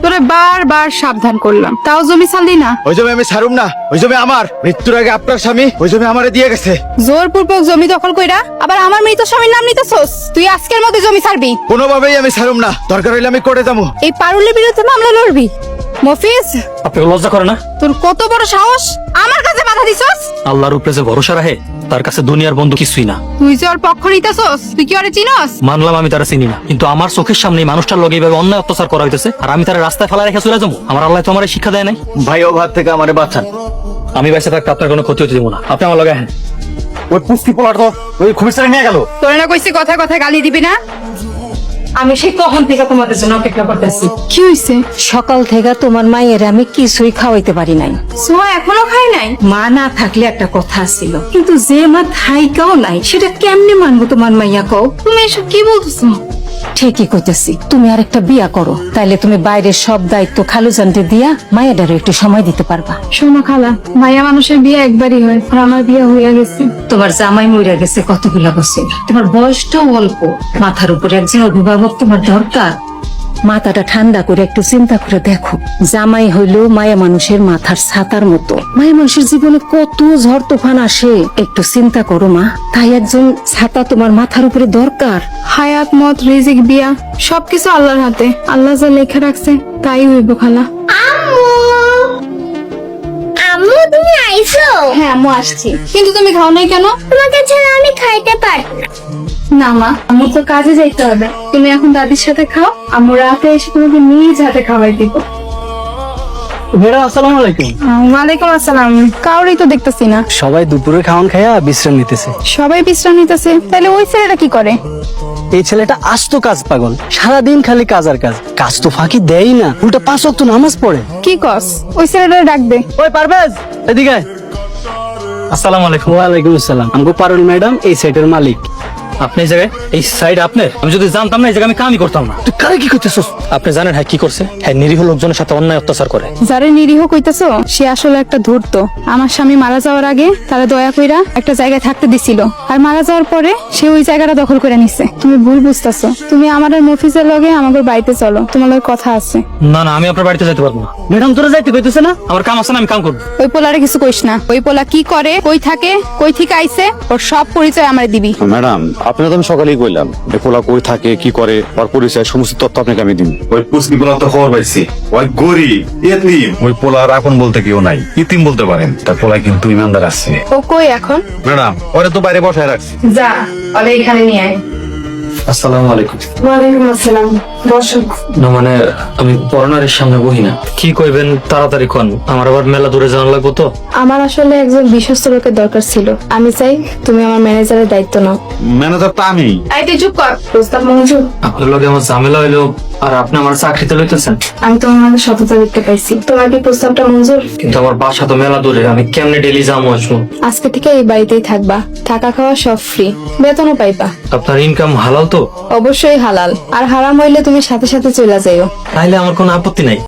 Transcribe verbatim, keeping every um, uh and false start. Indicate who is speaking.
Speaker 1: তোরে বারবার সাবধান করলাম, তাও জমি ছাড়লি না।
Speaker 2: ওই জমি আমি ছাড়ুম না, ওই জমি আমার। মৃত্যুর আগে আপনার স্বামী ওই জমি আমারে দিয়ে গেছে।
Speaker 1: জোরপূর্বক জমি দখল কইরা আবার আমার মৃত স্বামীর নাম নিতেছস। তুই আজকের মধ্যে জমি ছাড়বি।
Speaker 2: কোনোভাবেই আমি ছাড়ুম না, দরকার হইলে আমি কোর্টে যাবো।
Speaker 1: এই পারুলের বিরুদ্ধে মামলা লড়বি? মফিজ,
Speaker 3: আপনাকে লজ্জা করে না?
Speaker 1: তোর কত বড় সাহস আমার কাছে বাধা দিছস?
Speaker 3: আল্লাহর উপরে যে ভরসা রাখে তার কাছে দুনিয়ার বন্ধু কিছুই না।
Speaker 1: তুই যে ওর পক্ষ নিতেছস, তুই কি ওরে চিনস?
Speaker 3: মানলাম আমি তারা চিনি না, কিন্তু আমার চোখের সামনে এই মানুষটার লগে এইভাবে অন্যায় অত্যাচার করা হইতেছে, আর আমি তার রাস্তায় ফেলা রেখে চলে যাবো? আমার আল্লাহ তো আমার শিক্ষা দেয় নাই।
Speaker 2: ভাই ও ভাত থেকে আমারে বাঁচান।
Speaker 3: আমি বাইসে থাকতে আপনার কোনো ক্ষতি হতে দেবো না। আপনি আমার লগে হ্যাঁ
Speaker 2: ওই পুষ্টি পোলার তো ওই খুবই নিয়ে গেল।
Speaker 1: তোরে না কইছি কথা কথা গালি দিবি না?
Speaker 4: আমি সেই কখন থেকে তোমাদের জন্য অপেক্ষা করতেছি।
Speaker 1: কি হইছে?
Speaker 4: সকাল থেকে তোমার মায়ের আমি কিছুই খাওয়াইতে পারি নাই।
Speaker 1: সোহা এখনো খাই নাই?
Speaker 4: মা না থাকলে একটা কথা ছিল, কিন্তু যে মা থাইকাও নাই সেটা কেমনে মানবো তোমার মাইয়া কও?
Speaker 1: তুমি এসব কি বলতেছো?
Speaker 4: ঠিকই কইতেছি, তুমি আর একটা বিয়া করো, তাইলে তুমি বাইরের সব দায়িত্ব খালুজানতে দিয়া মায়েরারও একটু সময় দিতে পারবা।
Speaker 1: শোনো খালা, মায়া মানুষের বিয়ে একবারই হয়, আর আমার বিয়ে হইয়া গেছে।
Speaker 4: তোমার জামাই মইরা গেছে কতগুলা বছর, তোমার বয়সটাও অল্প, মাথার উপরে একজন অভিভাবক তোমার দরকার। মাথাটা ঠান্ডা করে একটু চিন্তা করে দেখো, জামাই হইলো মায়া মানুষের মাথার ছাতার মতো। মায়া মানুষের জীবনে কত ঝড় তুফান আসে, একটু চিন্তা করো মা। তাই একজন ছাতা তোমার মাথার উপরে দরকার।
Speaker 1: হায়াত, মত, রিজিক, বিয়া সবকিছু আল্লাহর হাতে। আল্লাহ যা লেখা রাখছে তাই হইব খালা।
Speaker 5: আম্মু তুমি আইছো?
Speaker 1: হ্যাঁ আম্মু আসছি। কিন্তু তুমি খাও নাই কেন?
Speaker 5: তোমাকে ছাড়া আমি খাইতে পারবো না।
Speaker 1: না মা, আম্মু তো কাজে যাইতে হবে। তুমি এখন দাদির সাথে খাও, আম্মু রাতে এসে তোমাকে নিজ হাতে খাওয়াই দিব।
Speaker 6: ম্যাডাম আসসালামু আলাইকুম।
Speaker 1: ওয়ালাইকুম আসসালাম। কাউরই তো দেখতেছি না।
Speaker 6: সবাই দুপুরে খাওয়ান খাইয়া বিশ্রাম নিতেছে।
Speaker 1: সবাই বিশ্রাম নিতেছে, তাহলে ওই ছেলেটা কি করে?
Speaker 6: এই ছেলেটা আস্ত কাজ পাগল, সারাদিন খালি কাজ আর কাজ, কাজ তো ফাঁকি দেয় না, উল্টা পাঁচ ওয়াক্ত নামাজ পড়ে।
Speaker 1: কি কস? ওই ছেলেটা ডাক দে।
Speaker 6: ওই পারভেজ এদিকে আয়।
Speaker 3: আসসালামু আলাইকুম।
Speaker 6: ওয়ালাইকুম আসসালাম। আমগো পারুল ম্যাডাম এই সাইটের মালিক।
Speaker 3: আপনি এই জায়গায়, এই সাইড আপনার? আমি যদি জানতাম না এই জায়গায় আমি কামই করতাম না।
Speaker 6: তুই কারে কি করতেছস?
Speaker 3: আপনি জানেন হ্যাঁ কি করছে? হ্যাঁ নিরীহ লোকজনের সাথে অন্যায় অত্যাচার করে।
Speaker 1: যারে নিরীহ কইতাছো সে আসলে একটা ধূর্ত। আমার স্বামী মারা যাওয়ার আগে তারা দয়া কইরা একটা জায়গায় থাকতে দিছিল, আর মারা যাওয়ার পরে সে ওই জায়গাটা দখল করে নিছে। তুমি ভুল বুঝতাছো। তুমি আমার আর মফিজের লগে আমাদের বাড়িতে চলো, তোমার লগে কথা আছে।
Speaker 3: না না, আমি আপনার বাড়িতে যেতে পারবো না।
Speaker 6: ম্যাডাম তোরা যাইতে কইতেছে না?
Speaker 3: আমার কাম আছে না, আমি কাম করবো।
Speaker 1: ওই পোলারে কিছু কইস না। ওই পোলা কি করে, কই থাকে, কই থেকে আইছে, ওর সব পরিচয় আমারে দিবি।
Speaker 7: ম্যাডাম আপনার তো আমি সকালেই কইলাম যে পোলা কই থাকে, কি করে, ওর পরিচয় সমস্ত তথ্য আপনাকে আমি দিন।
Speaker 8: ওই পুষ্টি পোলা তো খবর পাইছি, ওই গরিব ইতিম। ওই পোলার আপন বলতে কেউ নাই, ইতিম বলতে পারেন। তার পোলা কিন্তু ইমানদার আছে।
Speaker 1: ও কই এখন?
Speaker 8: ম্যাডাম ওরে তো বাইরে বসায় রাখছি।
Speaker 1: যা, ওরে এখানে নিয়ে আয়।
Speaker 3: আসসালামু আলাইকুম।
Speaker 1: ওয়ালাইকুম আসসালাম। বসো।
Speaker 3: না মানে আমি পরনারের সামনে বহি না। কি কইবেন তাড়াতাড়ি কোন, আমার আবার মেলা দূরে যাওয়ার লাগবো তো।
Speaker 1: আমার আসলে একজন বিশ্বস্ত লোকের দরকার ছিল। আমি চাই তুমি আমার ম্যানেজারের দায়িত্ব নাও।
Speaker 8: ম্যানেজার তো আমি।
Speaker 1: এই তুই চুপ কর। প্রস্তাব মঞ্জুর।
Speaker 3: আপনার লগে আমার ঝামেলা হইলো, আর আপনি আমার চাকরিতে লইতেছেন।
Speaker 1: আমি তোমার মাঝে সততা দেখতে পাইছি। তোমার কি প্রস্তাবটা মঞ্জুর?
Speaker 3: কিন্তু আমার বাসা তো মেলা দূরে, আমি কেমনে ডেলি যাবো আসবো?
Speaker 1: আজকে থেকে এই বাড়িতেই থাকবা, থাকা খাওয়া সব ফ্রি, বেতনও পাইবা।
Speaker 3: আপনার ইনকাম হালাল তো?
Speaker 1: অবশ্যই হালাল, আর হারাম হইলে তুমি সাথে সাথে চলে যাইও।
Speaker 3: তাইলে আমার কোনো আপত্তি নাই।